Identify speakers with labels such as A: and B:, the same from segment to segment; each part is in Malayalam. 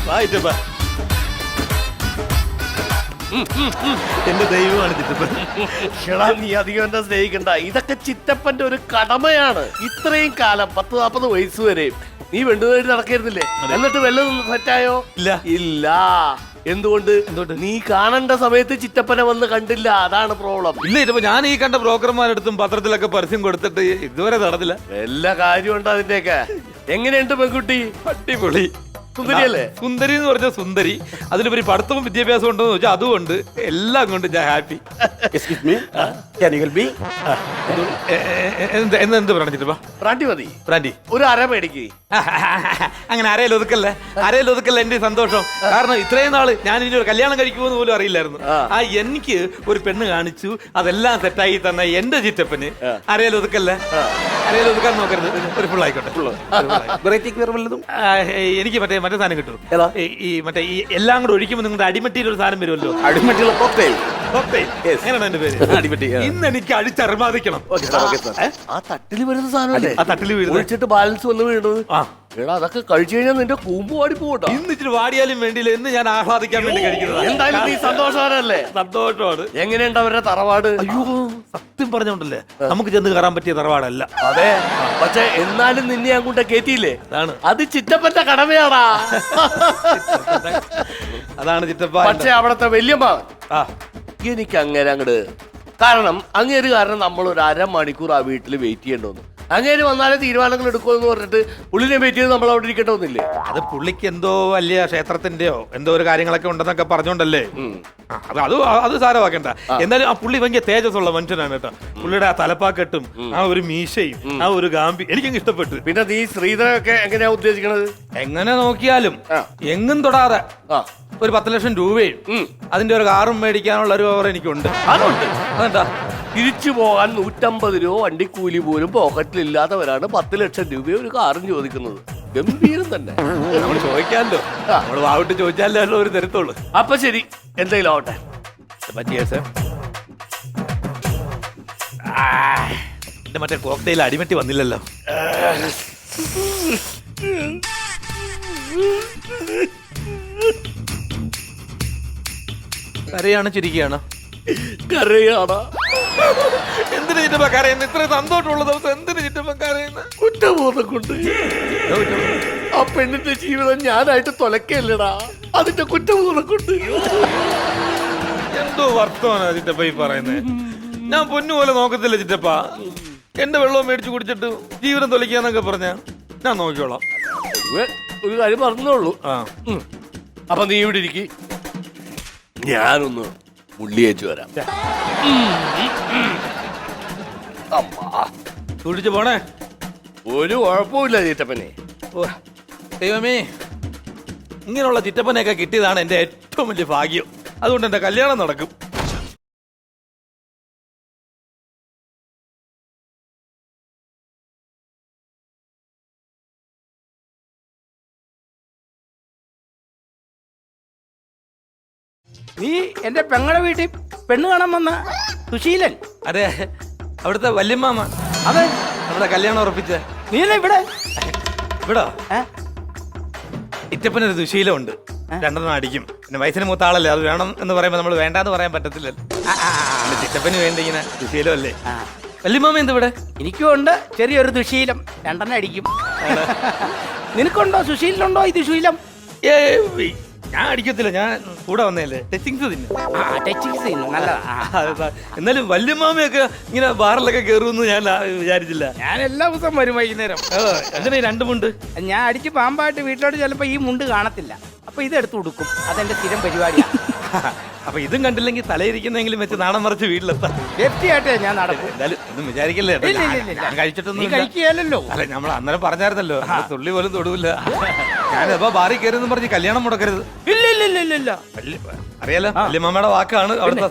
A: വായിച്ചപ്പാ. എന്റെ ദൈവമാണ് ചിറ്റപ്പൻ.
B: ഷെടാ, നീ അധികം എന്നെ സ്നേഹിക്കണ്ട. ഇതൊക്കെ ചിറ്റപ്പന്റെ ഒരു കടമയാണ്. ഇത്രയും കാലം 40-40 വയസ്സ് വരെ നീ വെണ്ടുതേടി നടക്കായിരുന്നില്ലേ? എന്നിട്ട് വല്ലതും സെറ്റായോ?
A: ഇല്ല.
B: ഇല്ല. എന്തുകൊണ്ട്? നീ കാണേണ്ട സമയത്ത് ചിറ്റപ്പനെ വന്ന് കണ്ടില്ല. അതാണ് പ്രോബ്ലം.
A: ഇല്ല ചിറ്റപ്പ, ഞാൻ ഈ കണ്ട ബ്രോക്കർമാരെടുത്തും പത്രത്തിലൊക്കെ പരസ്യം കൊടുത്തിട്ട് ഇതുവരെ നടന്നില്ല.
B: എല്ലാ കാര്യമുണ്ട് അതിന്റെയൊക്കെ. എങ്ങനെയുണ്ട് പെൺകുട്ടി?
A: അടിപൊളി
B: സുന്ദരിയല്ലേ?
A: സുന്ദരി എന്ന് പറഞ്ഞാൽ സുന്ദരി, അതിലുപരി പഠിത്തവും വിദ്യാഭ്യാസം ഉണ്ടോ എന്ന് വെച്ചാൽ അതുകൊണ്ട് എല്ലാം കൊണ്ട് ഞാൻ ഹാപ്പി. എന്ത് പറയണം ചിറ്റപ്പ?
B: ബ്രാൻഡി മതി.
A: ബ്രാൻഡി
B: ഒരു അര മേടിക്ക്.
A: അങ്ങനെ അരയിൽ ഒതുക്കല്ലേ, അരയിൽ ഒതുക്കല്ല എന്റെ സന്തോഷം. കാരണം ഇത്രയും നാള് ഞാൻ ഇനി ഒരു കല്യാണം കഴിക്കുമെന്ന് പോലും അറിയില്ലായിരുന്നു. എനിക്ക് ഒരു പെണ്ണ് കാണിച്ചു, അതെല്ലാം സെറ്റായി തന്ന എന്റെ ചിറ്റപ്പന് അരയിൽ ഒതുക്കല്ലേ, അരയിൽ ഒതുക്കാൻ നോക്കരുത്. ഒരു ഫുൾ ആയിക്കോട്ടെ. എനിക്ക് മറ്റേ സാധനം കിട്ടും. ഈ മറ്റേ ഈ എല്ലാം കൂടെ ഒഴിക്കുമ്പോൾ നിങ്ങളുടെ അടിമട്ടിയിൽ ഒരു സാധനം വരുമല്ലോ.
C: അടിമട്ടിയുള്ള കോക്ടെയിൽ.
A: എങ്ങനെയാണ് എന്റെ പേര്?
C: അടിമട്ടി.
A: ഇന്ന് എനിക്ക് അടിച്ചറിമാദിക്കണം.
B: ആ തട്ടില് വരുന്ന സാധനമല്ലേ?
A: ആ തട്ടില് വീഴുന്നത്,
B: ഒഴിച്ചിട്ട് ബാലൻസ് വന്ന് വീഴുന്നത്. എടാ, അതൊക്കെ കഴിച്ചു കഴിഞ്ഞാൽ നിന്റെ കൂമ്പ് വാടി പോകട്ടോ.
A: ഇന്ന് ഇച്ചിരി വാടിയാലും വേണ്ടിയില്ല, എന്ന് ഞാൻ ആഹ്ലാദിക്കാൻ വേണ്ടി കഴിക്കുന്നത്.
B: എന്തായാലും നീ സന്തോഷവാനല്ലേ?
A: സന്തോഷമാണ്.
B: എങ്ങനെയുണ്ട് അവരുടെ തറവാട്?
A: അയ്യോ, സത്യം പറഞ്ഞോണ്ടല്ലേ, നമുക്ക് ചെന്ന് കയറാൻ പറ്റിയ തറവാടല്ല.
B: അതെ, പക്ഷെ എന്നാലും നിന്നെ അങ്ങോട്ട് കേറ്റിയില്ലേ?
A: അതാണ്,
B: അത് ചിറ്റപ്പന്റെ കടമയാടാ.
A: അതാണ് ചിറ്റപ്പ.
B: പക്ഷെ അവിടത്തെ വല്യമ്മ എനിക്ക് അങ്ങനെ അങ്ങട്, കാരണം അങ്ങേര് കാരണം നമ്മൾ ഒരു അരമണിക്കൂർ ആ വീട്ടിൽ വെയിറ്റ് ചെയ്യേണ്ടി. അങ്ങേര് വന്നാലേ തീരുമാനങ്ങൾ എടുക്കുമെന്ന് പറഞ്ഞിട്ട് പുള്ളിനെ വെയിറ്റ് ചെയ്ത് നമ്മൾ അവിടെ ഇരിക്കേണ്ടതൊന്നില്ലേ?
A: അത് പുള്ളിക്ക് എന്തോ വലിയ ക്ഷേത്രത്തിന്റെയോ എന്തോ ഒരു കാര്യങ്ങളൊക്കെ ഉണ്ടെന്നൊക്കെ പറഞ്ഞോണ്ടല്ലേ. അത് സാരമാക്കണ്ട. എന്നാലും ആ പുള്ളി ഭയങ്കര തേജസ്സുള്ള മനുഷ്യനാണ് കേട്ടോ. പുള്ളിയുടെ ആ തലപ്പാക്കെട്ടും ആ ഒരു മീശയും ആ ഒരു ഗാമ്പി എനിക്കങ്ങ് ഇഷ്ടപ്പെട്ടു.
B: പിന്നെ നീ ശ്രീധരൊക്കെ എങ്ങനെയാ ഉദ്ദേശിക്കണത്?
A: എങ്ങനെ നോക്കിയാലും എങ്ങും തൊടാതെ ഒരു 10 ലക്ഷം രൂപയും അതിന്റെ ഒരു കാറും മേടിക്കാനുള്ള ഒരു ഓവർ എനിക്കുണ്ട്.
B: അതുണ്ട്.
A: അതെന്താ,
B: തിരിച്ചു പോകാൻ 150 രൂപ വണ്ടിക്കൂലി പോലും പോക്കറ്റിലില്ലാത്തവരാണ് 10 ലക്ഷം രൂപ ഒരു കാറും ചോദിക്കുന്നത്. ഗംഭീരം തന്നെ.
A: നമ്മൾ ചോദിക്കാമല്ലോ, നമ്മൾ വാവിട്ട് ചോദിച്ചാലോ ഒരു തരത്തുള്ളൂ.
B: അപ്പൊ ശരി, എന്തെങ്കിലും ആവട്ടെ.
A: എന്റെ മറ്റേ കോക്ടെയിൽ അടിമറ്റി വന്നില്ലല്ലോ. കരയാണ് ചിരിക്കുകയാണ്?
B: കരയാടാ.
A: എന്തിനു ചിറ്റപ്പ കരയുന്നു? ഇത്ര സന്തോഷമുള്ള ദിവസം എന്തിനു ചിറ്റപ്പ കരയുന്നു?
B: കുറ്റബോധം കൊണ്ട്. ആ പെണ്ണിന്റെ ജീവിതം ഞാനായിട്ട് തൊലക്കല്ലടാ, അതിന്റെ കുറ്റബോധം കൊണ്ട്.
A: എന്തോ വർത്തമാനാ ചിറ്റപ്പ ഈ പറയുന്നേ? ഞാൻ പൊന്നുപോലെ നോക്കത്തില്ല ചിറ്റപ്പ. എന്റെ വെള്ളവും മേടിച്ചു കുടിച്ചിട്ട് ജീവിതം തൊലക്കാന്നൊക്കെ പറഞ്ഞ ഞാൻ നോക്കിക്കോളാം.
B: ഒരു കാര്യം പറഞ്ഞോളൂ. അപ്പൊ നീ ഇവിടെ ഇരിക്കി, ഞാനൊന്ന് മുള്ളിയേച്ചു വരാം.
A: കുടിച്ചു പോണേ.
B: ഒരു കുഴപ്പമില്ല ചിറ്റപ്പനെ.
A: ദൈവമേ, ഇങ്ങനെയുള്ള ചിറ്റപ്പനെയൊക്കെ കിട്ടിയതാണ് എന്റെ ഏറ്റവും വലിയ ഭാഗ്യം. അതുകൊണ്ട് എന്റെ കല്യാണം നടക്കും.
C: നീ എന്റെ പെങ്ങളുടെ വീട്ടിൽ പെണ്ണ് കാണാൻ വന്ന സുശീലൻ?
A: അതെ, അവിടുത്തെ വല്യമ്മാമ.
C: അതെ,
A: നമ്മുടെ കല്യാണം ഉറപ്പിച്ച.
C: നീ ഇവിടെ
A: ഇവിടോ? ഇറ്റപ്പനൊരു ദുശീലമുണ്ട്, 2 അടിക്കും. പിന്നെ വയസ്സിന് മൂത്ത ആളല്ലേ, അത് വേണം എന്ന് പറയുമ്പോൾ നമ്മൾ വേണ്ടാന്ന് പറയാൻ പറ്റത്തില്ലല്ലോ. ചിറ്റപ്പന് വേണ്ട ഇങ്ങനെ ദുശീലമല്ലേ. വല്യമ്മാമ എന്ത് ഇവിടെ?
C: എനിക്കും ഉണ്ട് ചെറിയൊരു ദുശീലം, 2 അടിക്കും. നിനക്കുണ്ടോ സുശീലനുണ്ടോ ഈ ദുശീലം?
A: ഞാൻ അടിക്കത്തില്ല, ഞാൻ കൂടെ വന്നേല്ലേ. ടച്ചിങ്സ് തിന്നു.
C: നല്ലതാ.
A: എന്നാലും വല്യമ്മാമയൊക്കെ ഇങ്ങനെ ബാറിലൊക്കെ കയറുമെന്ന് ഞാൻ വിചാരിച്ചില്ല.
C: ഞാൻ എല്ലാ ദിവസവും വരും വൈകുന്നേരം.
A: എന്തിനാ 2 മുണ്ട്?
C: ഞാൻ അടിച്ച് പാമ്പായിട്ട് വീട്ടിലോട്ട് ചിലപ്പോ ഈ മുണ്ട് കാണത്തില്ല, അപ്പൊ ഇതെടുത്ത് കൊടുക്കും. അതെന്റെ സ്ഥിരം പരിപാടിയാണ്.
A: അപ്പൊ ഇതും കണ്ടില്ലെങ്കിൽ തലയിരിക്കുന്നെങ്കിലും വെച്ച് നാണം മറിച്ച് വീട്ടിലെത്താം.
C: സേഫ്റ്റിയായിട്ടേ ഞാൻ നടക്കും.
A: എന്തായാലും ഒന്നും വിചാരിക്കല്ലേ, ഞാൻ കഴിച്ചിട്ടൊന്നും
C: കഴിക്കുകയല്ലോ.
A: അല്ല, നമ്മൾ അന്നേരം പറഞ്ഞായിരുന്നല്ലോ, തുള്ളി പോലും തൊടൂല്ല. ഞാനിപ്പോ ബാറി കയറിയെന്ന് പറഞ്ഞ് കല്യാണം മുടക്കരുത്.
C: ഇല്ല.
A: അറിയാലോ, വല്യമ്മയുടെ വാക്കാണ് അവിടുത്തെ.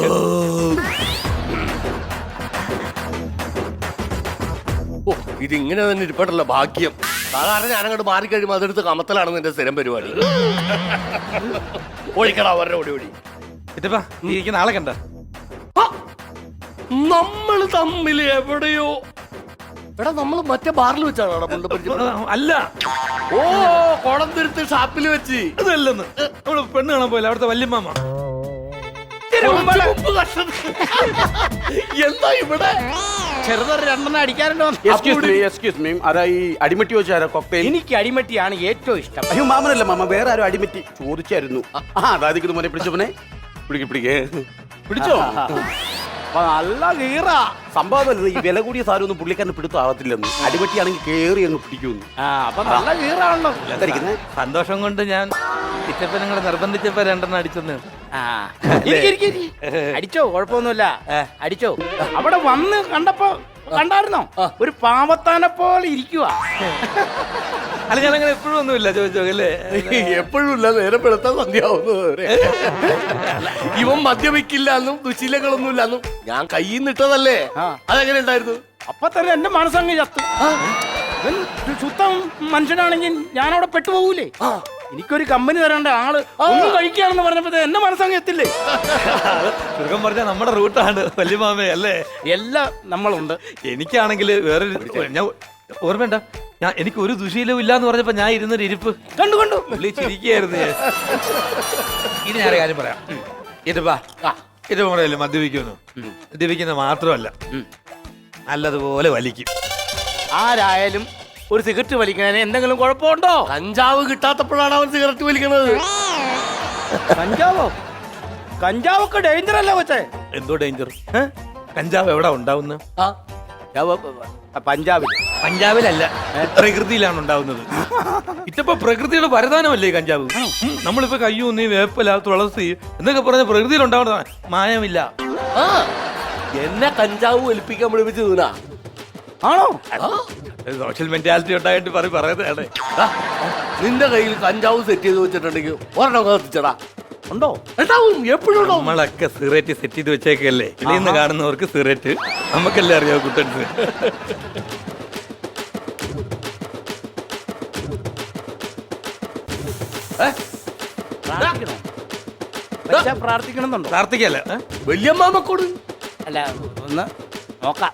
B: ഇതിങ്ങനെ തന്നെ ഇരിപ്പട്ടല്ല ഭാഗ്യം. സാധാരണ ഞാനങ്ങോട്ട് മാറിക്കഴിയുമ്പോൾ അതെടുത്ത് കമത്തലാണ് നിന്റെ സ്ഥിരം പരിപാടി. ഓടിക്കടാ, അവരുടെ ഓടി.
A: ചിറ്റപ്പാ, നീ നാളെ കണ്ട
B: നമ്മൾ തമ്മിൽ എവിടെയോ എടാ നമ്മൾ മറ്റേ ബാറിൽ വെച്ചാണ് പരിചയം.
A: അല്ല,
B: ഓ കോടംതുരുത്ത് ഷാപ്പിൽ വെച്ച്.
A: അതല്ലെന്ന് നമ്മള് പെണ്ണ് കാണാൻ പോയില്ല, അവിടുത്തെ വല്യമ്മ.
B: എന്താ ഇവിടെ
C: ചെറുതൊരു രണ്ടെണ്ണം അടിക്കാറുണ്ടോ?
D: എക്സ്ക്യൂസ് മീ, ആരാ ഈ അടിമറ്റി വെച്ചാരാ കോക്ടെയിൽ?
C: എനിക്ക് അടിമറ്റിയാണ് ഏറ്റവും ഇഷ്ടം.
D: അയ്യോ മാമനല്ല മാമ, വേറെ ആരും അടിമറ്റി ചോദിച്ചായിരുന്നു. അതായത് മോനെ പിടിച്ചവനെ പിടിക്കേ പിടിച്ചോ. അപ്പൊ നല്ല കീറ സംഭവം. ഈ വില കൂടിയ സാധനം ഒന്നും പുള്ളിക്കാരന് പിടുത്താവത്തില്ലെന്ന്. അടിമറ്റിയാണെങ്കിൽ കേറി അങ്ങ് പിടിക്കുമെന്ന്.
C: അപ്പൊ നല്ല കീറാണല്ലോ.
D: എന്തായിരിക്കുന്നത്?
A: സന്തോഷം കൊണ്ട് ഞാൻ ചിറ്റപ്പനങ്ങളെ നിർബന്ധിച്ചപ്പോ രണ്ടെണ്ണം അടിച്ചെന്ന്.
C: അടിച്ചോ, കുഴപ്പമൊന്നുമില്ല, അടിച്ചോ. അവിടെ വന്ന് കണ്ടായിരുന്നോ? ഒരു പാവത്താനെ പോലെ ഇരിക്കുക.
A: അല്ല, ഞാൻ അങ്ങനെ എപ്പോഴും ഒന്നുമില്ല ചോദിച്ചോ അല്ലേ.
B: എപ്പോഴും ഇല്ല, നേരെ പെടുത്താൻ സന്ധ്യാവുന്നത്. ഇവൻ മദ്യപിക്കില്ല എന്നും ദുശീലങ്ങളൊന്നും ഇല്ലെന്നും ഞാൻ കയ്യിൽ നിട്ടതല്ലേ. അതെങ്ങനെ ഉണ്ടായിരുന്നു?
C: അപ്പൊ തന്നെ എന്റെ മനസ്സങ്ങ് ചത്തു. ഇവൻ ശുദ്ധം മനുഷ്യനാണെങ്കിൽ ഞാൻ അവിടെ പെട്ടുപോകൂലേ. എനിക്കൊരു കമ്പനി തരേണ്ട ആള് ഒന്നും കഴിക്കുകയാണെന്ന് പറഞ്ഞപ്പോ എന്റെ മനസ്സങ്ങ് എത്തില്ലേ.
A: ചുരുക്കം പറഞ്ഞാൽ നമ്മുടെ റൂട്ടാണ് വല്യമാമേ അല്ലേ.
C: എല്ലാം നമ്മളുണ്ട്.
A: എനിക്കാണെങ്കിൽ വേറൊരു ഞാൻ ഓർമ്മയുണ്ട, എനിക്ക് ഒരു ദുശീലവും ഇല്ലാന്ന് പറഞ്ഞപ്പോ ഞാൻ ഇരുന്നൊരു ഇരിപ്പ്
C: കണ്ടു
A: ചിരിക്കുകയായിരുന്നു ഞാൻ. ഇനി ഞാൻ കാര്യം പറയാം. ഇറ്റപ്പാ പറയല്ലേ മദ്യപിക്കുന്നു. മദ്യപിക്കുന്ന മാത്രമല്ല, നല്ലതുപോലെ വലിക്കും.
C: ആരായാലും ഒരു സിഗരറ്റ് വലിക്കുന്നതിന് എന്തെങ്കിലും കുഴപ്പമുണ്ടോ?
B: കഞ്ചാവ് കിട്ടാത്തപ്പോഴാണ് അവൻ സിഗരറ്റ് വലിക്കുന്നത്.
C: കഞ്ചാവോ? കഞ്ചാവൊക്കെ ഡേഞ്ചർ അല്ലേ കൊച്ചേ?
A: എന്തോ ഡേഞ്ചർ? കഞ്ചാവ് എവിടെ ഉണ്ടാവുന്ന?
C: പഞ്ചാബിൽ.
A: പഞ്ചാബിലല്ല, പ്രകൃതിയിലാണ് ഉണ്ടാവുന്നത്. ഇറ്റപ്പോ പ്രകൃതിയുടെ വരദാനമല്ലേ കഞ്ചാവ്. നമ്മളിപ്പോ കയ്യൂന്നി, വേപ്പല, തുളസി എന്നൊക്കെ പറഞ്ഞ പ്രകൃതിയിൽ ഉണ്ടാവുന്നതാണ്. മായമില്ല.
B: എന്നെ കഞ്ചാവ് വലിപ്പിക്കാൻ വിളിപ്പിച്ച് തൂനാ
C: ആണോ?
A: സോഷ്യൽ മെന്റാലിറ്റി ഉണ്ടായിട്ട് പറയുന്നതാണ്.
B: നിന്റെ കയ്യിൽ കഞ്ചാവ് സെറ്റ് ചെയ്ത് വെച്ചിട്ടുണ്ടെങ്കിൽ ഒരെണ്ണം കത്തിച്ചടാ.
C: ഉണ്ടോ?
B: ഉണ്ടാവും, എപ്പോഴും ഉണ്ടാവും.
A: നമ്മളൊക്കെ സിഗരറ്റ് സെറ്റ് ചെയ്ത് വെച്ചേക്കല്ലേ. ഇന്ന് കാണുന്നവർക്ക് സിഗരറ്റ്, നമുക്കല്ലേ അറിയാവൂ കുട്ടൻസ്.
C: പ്രാർത്ഥിക്കണമെന്നുണ്ടോ?
A: പ്രാർത്ഥിക്കല്ല,
B: വല്യമ്മാമക്കോട്
C: അല്ല, ഒന്ന് നോക്കാം.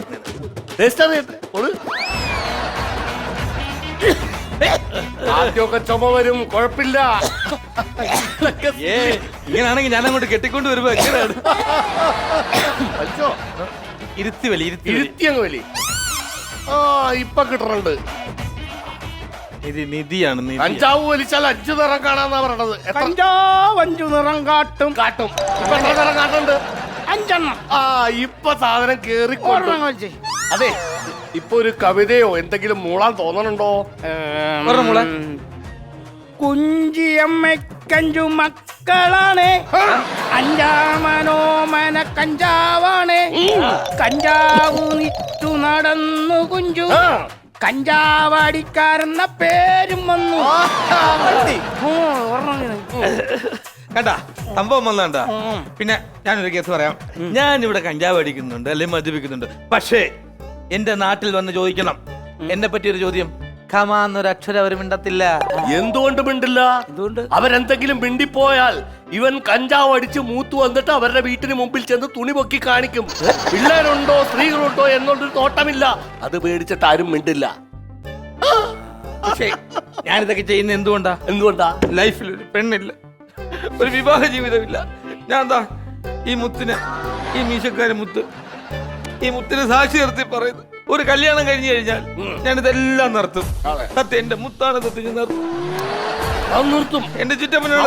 B: ആദ്യമൊക്കെ ചുമ വരും, കുഴപ്പമില്ല.
A: ഇങ്ങനാണെങ്കിൽ ഞാൻ അങ്ങോട്ട് കെട്ടിക്കൊണ്ട് വരുമ്പോ എങ്ങനെയാണ്? ഇരുത്തി വലി,
B: ഇരുത്തി അങ്ങ് വലി. ആ ഇപ്പൊ കിട്ടണുണ്ട്.
A: നിധിയാണ്.
B: കഞ്ചാവ് വലിച്ചാൽ 5 നിറം കാണാന്നാ പറയണത്.
C: കഞ്ചാവ് 5 നിറം കാട്ടും.
B: ഇപ്പൊ എത്ര നിറം കാട്ടുണ്ട്?
C: 5 എണ്ണം.
B: ആ ഇപ്പൊ സാധനം കേറിക്കൊണ്ട്. അതെ, ഇപ്പൊ ഒരു കവിതയോ എന്തെങ്കിലും മൂളാൻ തോന്നണുണ്ടോ?
C: കുഞ്ചിയമ്മക്കഞ്ചു മക്കളാണ്, 5-മനോമന കഞ്ചാവാണ്. കഞ്ചാവ് നിറ്റു നടന്നു കുഞ്ചു, കഞ്ചാവടിക്കാരെന്ന പേരും വന്നു.
A: കണ്ടാ സംഭവം വന്നാണ്ടാ. പിന്നെ ഞാനൊരു കേസ് പറയാം. ഞാൻ ഇവിടെ കഞ്ചാവ് അടിക്കുന്നുണ്ട് അല്ലെങ്കിൽ മദ്യപിക്കുന്നുണ്ട്, പക്ഷേ എന്റെ നാട്ടിൽ വന്ന് ചോദിക്കണം എന്നെ പറ്റിയൊരു ചോദ്യം. ഖമാന്നൊരു അക്ഷരം അവർ മിണ്ടത്തില്ല.
B: എന്തുകൊണ്ട് മിണ്ടില്ല?
C: എന്തുകൊണ്ട്?
B: അവരെന്തെങ്കിലും മിണ്ടിപ്പോയാൽ ഇവൻ കഞ്ചാവ് അടിച്ച് മൂത്തു വന്നിട്ട് അവരുടെ വീട്ടിന് മുമ്പിൽ ചെന്ന് തുണി പൊക്കി കാണിക്കും. പിള്ളേരുണ്ടോ സ്ത്രീകളുണ്ടോ എന്നൊരു നോട്ടമില്ല. അത് പേടിച്ചിട്ട് ആരും മിണ്ടില്ല.
A: പക്ഷേ ഞാനിതൊക്കെ ചെയ്യുന്ന
B: എന്തുകൊണ്ടാ?
A: ലൈഫിൽ ഒരു പെണ്ണില്ല, ഒരു വിവാഹ ജീവിതമില്ല. ഞാൻ എന്താ ഈ മുത്തിന്, ഈ മീശക്കാരൻ മുത്ത്, ഈ മുത്തിന് സാക്ഷി നിർത്തി പറയുന്നു, ഒരു കല്യാണം കഴിഞ്ഞു കഴിഞ്ഞാൽ ഞാനിതെല്ലാം നിർത്തും. സത്യം, എന്റെ മുത്താണ് സത്യം, ഞാൻ നിർത്തും. എന്റെ ചുറ്റപ്പനാണ്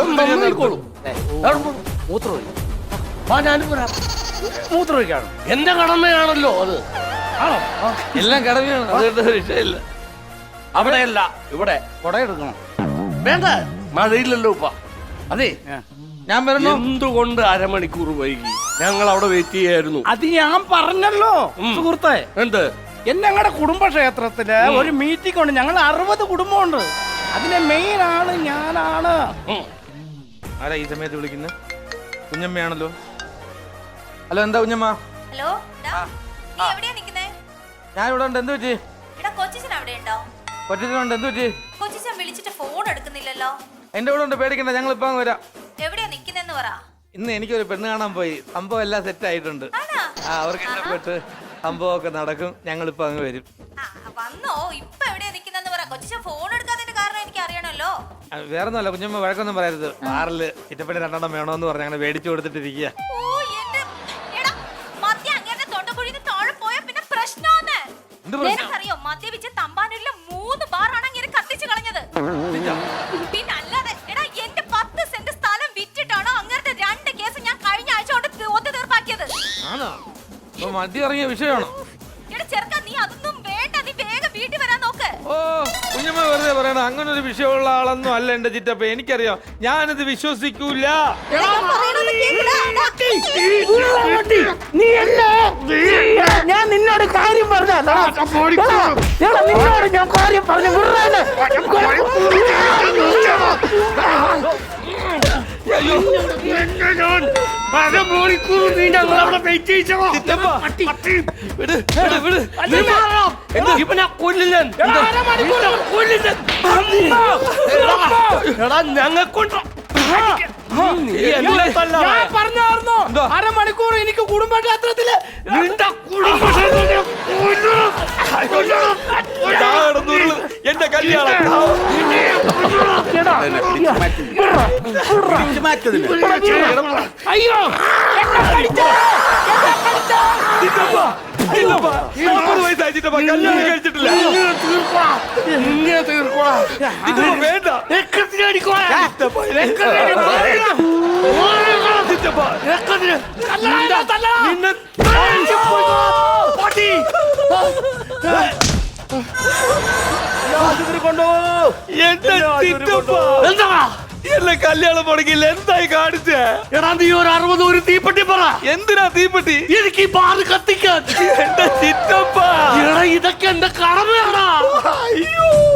C: മൂത്രമൊഴിക്കാണ്
B: എന്റെ കടമയാണല്ലോ അത്.
A: എല്ലാം കടമയാണ്, അതുകൊണ്ട് വിഷയമില്ല.
B: അവിടെയല്ല, ഇവിടെ
C: കൊടയെടുക്കണം.
B: വേണ്ട, മഴയില്ലല്ലോ ഇപ്പ. അതെ,
A: ഞാൻ പറഞ്ഞു
B: എന്തുകൊണ്ട് അരമണിക്കൂർ വൈകി? ഞങ്ങൾ അവിടെ വെയിറ്റ് ചെയ്യായിരുന്നു.
C: അത് ഞാൻ പറഞ്ഞല്ലോ സുഹൃത്തെ.
B: എന്ത്?
C: ഞങ്ങളുടെ കുടുംബക്ഷേത്രത്തില് ഒരു മീറ്റിംഗ് ഉണ്ട്. ഞങ്ങൾ 60 കുടുംബമുണ്ട്. അതിലെ മെയിൻ ആള് ഞാനാണ്.
A: ആരാ ഈ സമയത്ത് വിളിക്കുന്നത്? കുഞ്ഞമ്മയാണല്ലോ. ഹലോ, എന്താ കുഞ്ഞമ്മ?
E: ഹലോ, നീ എവിടെയാ നിക്കുന്നേ?
A: ഞാൻ ഇവിടെ ഉണ്ട്. എന്ത് പറ്റി?
E: എടാ, കൊച്ചിച്ചൻ അവിടെ ഉണ്ടോ?
A: കൊച്ചിട്ടുണ്ട്. എന്ത് പറ്റി?
E: കൊച്ചിച്ചൻ വിളിച്ചിട്ട് ഫോൺ എടുക്കുന്നില്ലല്ലോ.
A: എന്റെ കൂടെ ഉണ്ട്, പേടിക്കണ്ട, ഞങ്ങൾ ഇപ്പൊ വരാം.
E: എവിടെയാ നിക്കുന്നെന്ന് പറ.
A: ഇന്ന് എനിക്കൊരു പെണ്ണ് കാണാൻ പോയി. സംഭവം എല്ലാം സെറ്റ് ആയിട്ടുണ്ട്. അവർക്ക് ഇഷ്ടപ്പെട്ട് സംഭവമൊക്കെ നടക്കും. ഞങ്ങളിപ്പോ അങ്ങ് വരും.
E: അപ്പൊ
A: വേറെ ഒന്നുമല്ല, കുഞ്ഞമ്മ വഴക്കൊന്നും പറയരുത്. ബാറില് ചിറ്റപ്പന് 2 എണ്ണം വേണോന്ന് പറഞ്ഞ് അങ്ങനെ മേടിച്ചു കൊടുത്തിട്ടിരിക്കുക.
E: ഓ, എടാ, മദ്യം അങ്ങനെ തൊണ്ടക്കുഴിന്ന് താഴെ പോയാ പിന്നെ പ്രശ്നമാണ്.
A: എന്ത് പ്രശ്നം?
E: നിനക്കറിയോ മദ്യപിച്ച് തമ്പാനൂരിലെ 3 ബാറാണ് അങ്ങനെ കത്തിച്ചു കളഞ്ഞത്. പിന്നെ അല്ലാതെ എടാ, എന്റെ 10 സെന്റ് സ്ഥലം വിറ്റിട്ടാണോ അങ്ങനത്തെ 2 കേസ് ഞാൻ കഴിഞ്ഞ ആഴ്ച കൊണ്ട് ഒത്തു തീർപ്പാക്കിയത്.
A: ആണോ? അപ്പൊ മദ്യം ഇറങ്ങിയ വിഷയമാണോ?
E: എടാ ചെറുക്ക, നീ അതൊന്നും വേണ്ട, നീ വേഗം വീട്ടിൽ വരാൻ നോക്ക്.
A: ഓ, കുഞ്ഞമ്മ വെറുതെ പറയണം. അങ്ങനെ ഒരു വിഷയമുള്ള ആളൊന്നും അല്ല എന്റെ ചിറ്റപ്പ. എനിക്കറിയാം, ഞാനിത് വിശ്വസിക്കൂല.
E: എടാ, ഞാൻ പറയുന്നത് കേൾക്കടാ.
C: ഞാൻ നിന്നോട് കാര്യം പറഞ്ഞ നിന്നോട് ഞാൻ കാര്യം പറഞ്ഞു
A: ചിറ്റപ്പ, വിട്, വിട്, വിട്.
B: ഞങ്ങൾക്കുണ്ടോ
C: ഞാൻ പറഞ്ഞായിരുന്നോ അരമണിക്കൂർ എനിക്ക് കുടുംബക്ഷേത്രത്തില്
A: എന്റെ കല്യാണം
D: പിടിച്ചു മാറ്റതിന്
C: അയ്യോ
A: ചിറ്റപ്പ, 40 വയസ്സായി ചിറ്റപ്പ, കല്യാണം കഴിച്ചിട്ടില്ല. ചിറ്റപ്പ, വേണ്ട. ചിറ്റപ്പ, എന്റെ ചിറ്റപ്പ, എന്നെ കല്യാണം മുടങ്ങില്ല. എന്തായി കാണിച്ചേ?
B: എടാ നീ ഒരു 60 ഒരു തീപ്പെട്ടി പറ.
A: എന്തിനാ തീപ്പെട്ടി?
B: എനിക്ക് ഈ ബാറ് കത്തിക്കാൻ.
A: എന്റെ ചിറ്റപ്പ,
B: എടാ ഇതൊക്കെ എന്റെ കടമയാടാ.
A: അയ്യോ.